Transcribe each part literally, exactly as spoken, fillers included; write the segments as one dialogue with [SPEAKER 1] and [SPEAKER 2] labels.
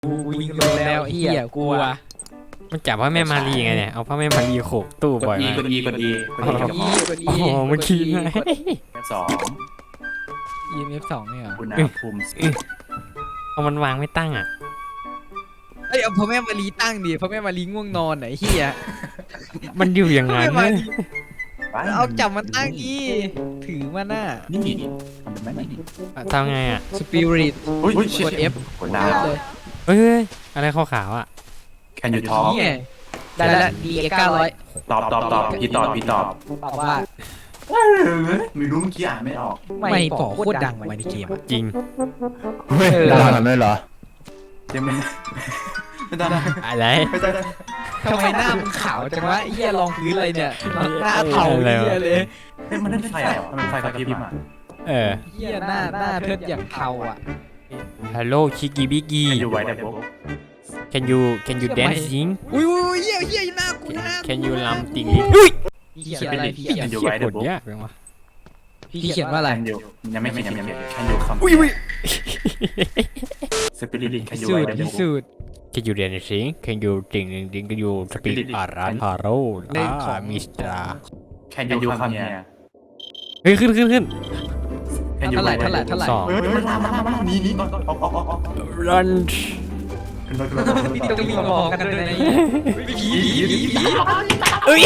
[SPEAKER 1] กูวิ่งลงแล้วไอ้เหี้ยกลัว
[SPEAKER 2] มันจับว่าแม่มารีไงเนี่ยเอาพ่อแม่มารีโขกตู้บ่อย
[SPEAKER 3] อี
[SPEAKER 2] มาก
[SPEAKER 3] กดอีกดอีกดอีกับหมอ
[SPEAKER 1] กด
[SPEAKER 2] โอ้โหมันขี้ไง
[SPEAKER 3] สอง
[SPEAKER 1] อี เอ็ม เอฟ สองเนี่ยเหรอ
[SPEAKER 3] อุณหภูมิ
[SPEAKER 2] เอามันวางไม่ตั้งอ่ะ
[SPEAKER 1] เอ้ยเอาพ่อแม่มารีตั้งดิพ่อแม่มารีง่วงนอนไหนเหี้ย
[SPEAKER 2] มันอยู่อย่างนั้น
[SPEAKER 1] พ่อแม่
[SPEAKER 2] เนี่ย
[SPEAKER 1] มารีเอาจับมันตั้งอีถือมันน่ะ
[SPEAKER 3] นี่ทำเป็นไหมนี่
[SPEAKER 2] ทำไงอ่ะ
[SPEAKER 1] สปิริต
[SPEAKER 3] อุ้ย
[SPEAKER 1] กด F
[SPEAKER 3] กดดาว
[SPEAKER 1] เลย
[SPEAKER 2] เอ้ยอะไรขาวๆอ่ะ
[SPEAKER 3] Can you talk
[SPEAKER 1] นี่ไงได้แล้ว ดี เอ็กซ์ เก้าร้อย
[SPEAKER 3] ตอบตอบตอบพี่ตอบพี่ตอบ
[SPEAKER 1] ตอบว่า
[SPEAKER 3] ไม่รู้เมื่อกี้อ่านไม่ออก
[SPEAKER 1] ไม่ปอโคตรดังไปในเกมอะ
[SPEAKER 2] จริง
[SPEAKER 1] เออ
[SPEAKER 4] ดังกันด้วยเหรอ
[SPEAKER 3] ยังไม่ไม่ได้
[SPEAKER 2] อะไร
[SPEAKER 3] ไม่ได้
[SPEAKER 1] ทำไมหน้ามึงขาวจังวะไอ้เหี้ยรองพื้นอะไรเนี่ยหน้าเทาเหี้ยเลย
[SPEAKER 3] เฮ้ยมันนั่นไฟอ่ะมันไฟกระพริบอ่ะ
[SPEAKER 2] เออ
[SPEAKER 1] เหี้ยหน้าหน้าเทิดอย่างเทาอ่ะ
[SPEAKER 2] ฮัลโหลชิกิบิกิ
[SPEAKER 3] อยู่ไว้แต่บุ๊ก
[SPEAKER 2] can you can you dancing
[SPEAKER 1] อุ้ยอุ้ยเหี้ยเหี้ยหน้ากูหน้า
[SPEAKER 2] can you ลำติงอุ้ย
[SPEAKER 1] พี่เขียนอะไรพี่เขียน
[SPEAKER 3] อยู่
[SPEAKER 2] เขีย
[SPEAKER 3] ไว้
[SPEAKER 2] น
[SPEAKER 3] แต่
[SPEAKER 2] บท
[SPEAKER 3] บุ๊ก
[SPEAKER 2] ยากจังวะ
[SPEAKER 1] พี่เขียนว่าอะไร
[SPEAKER 3] แคนยูยังไม่เขียนยังไม่เขียนแคนยูคำ
[SPEAKER 2] อุ้ยอุ้ย
[SPEAKER 3] สปิริตแคน
[SPEAKER 1] พิ
[SPEAKER 3] ยู
[SPEAKER 1] สู
[SPEAKER 3] ไว้
[SPEAKER 1] จน์
[SPEAKER 3] แต่
[SPEAKER 1] พิ
[SPEAKER 3] บุ๊ก
[SPEAKER 1] สูจน์
[SPEAKER 2] can you dancing can you ติงติง can you speak อาราฮาโรอ่ามิสตา
[SPEAKER 3] แคนยูคำเนี่ย
[SPEAKER 2] เฮ้ยขึ้นขึ้นขึ้น
[SPEAKER 3] แคนยู
[SPEAKER 1] เท่าไหร่
[SPEAKER 3] ไว้
[SPEAKER 1] เท่าไหร่เท่าไหร่
[SPEAKER 2] สอง
[SPEAKER 3] เฮ้ยมันมามันมามันมานี่นี่ก่อนออกออกออกออก
[SPEAKER 2] run
[SPEAKER 1] พี่ต้องมีมองกันด้วยนะผีผีผีผี
[SPEAKER 2] เอ้ย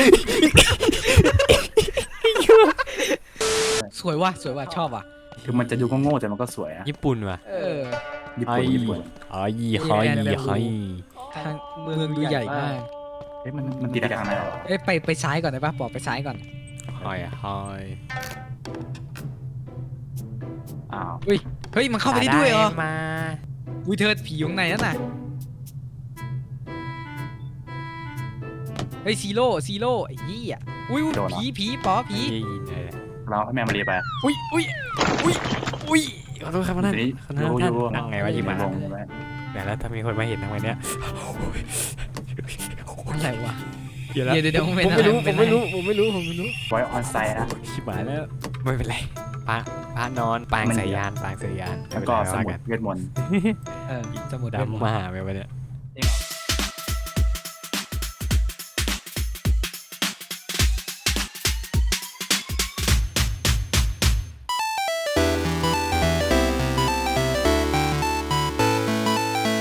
[SPEAKER 1] สวยว่ะสวยว่ะชอบว่ะ
[SPEAKER 3] คือมันจะดูโง่ๆแต่มันก็สวยอ่ะ
[SPEAKER 2] ญี่ปุ่นว่ะ
[SPEAKER 1] เออ
[SPEAKER 3] ญี่ปุ่นญี่ปุ่น
[SPEAKER 2] ไอ้ไอ้ไอ้
[SPEAKER 1] ทางเมืองดูใหญ่มาก
[SPEAKER 3] เฮ้ยมันมันตีทางไหนหรอ
[SPEAKER 1] เอ้ยไปไปซ้ายก่อนได้ปะบอกไปซ้ายก่อน
[SPEAKER 2] ไอ้ไอ้
[SPEAKER 3] อ้าว
[SPEAKER 1] เฮ้ยเฮ้ยมันเข้าไปได้ด้วยเหรอ
[SPEAKER 2] มา
[SPEAKER 1] อุ้ยเธอผีอยู่ข้างในนั่นน่ะเฮ้ยซีโร่ซีโร่ไอ้ยี่อ่ะอุ้ยผีผีปอผี
[SPEAKER 3] เราให้แม่มาเรียไป
[SPEAKER 2] อุ้ยอุ้ยอุ้ยอุ้ยขอโทษครับนั่น
[SPEAKER 3] นี้
[SPEAKER 2] คนนั้น
[SPEAKER 3] ยู
[SPEAKER 2] ท่าน
[SPEAKER 3] ยู
[SPEAKER 2] นั่งไงวะยี่มา
[SPEAKER 3] ลงไป
[SPEAKER 2] แต่แล้วถ้ามีคนมาเห็นทำไมเนี่ย
[SPEAKER 1] อะไรวะ
[SPEAKER 2] เดี๋ยว
[SPEAKER 1] เดี๋ยวเดี๋ยว
[SPEAKER 2] ผม
[SPEAKER 1] เป็น
[SPEAKER 2] ไม่รู้
[SPEAKER 1] อะไร
[SPEAKER 2] ผมไม่รู้ผมไม่รู้ผมไม่รู้
[SPEAKER 3] ไว้ออนไซต์นะ
[SPEAKER 2] ชิบหายแล้วไม่เป็นไรพระพระนอนปางสายยานปางสายยาน
[SPEAKER 3] แล้วก็สมุดเวทมนต์
[SPEAKER 1] เออสมุดเล่ม
[SPEAKER 2] ดำมาหาไปวะเนี่ย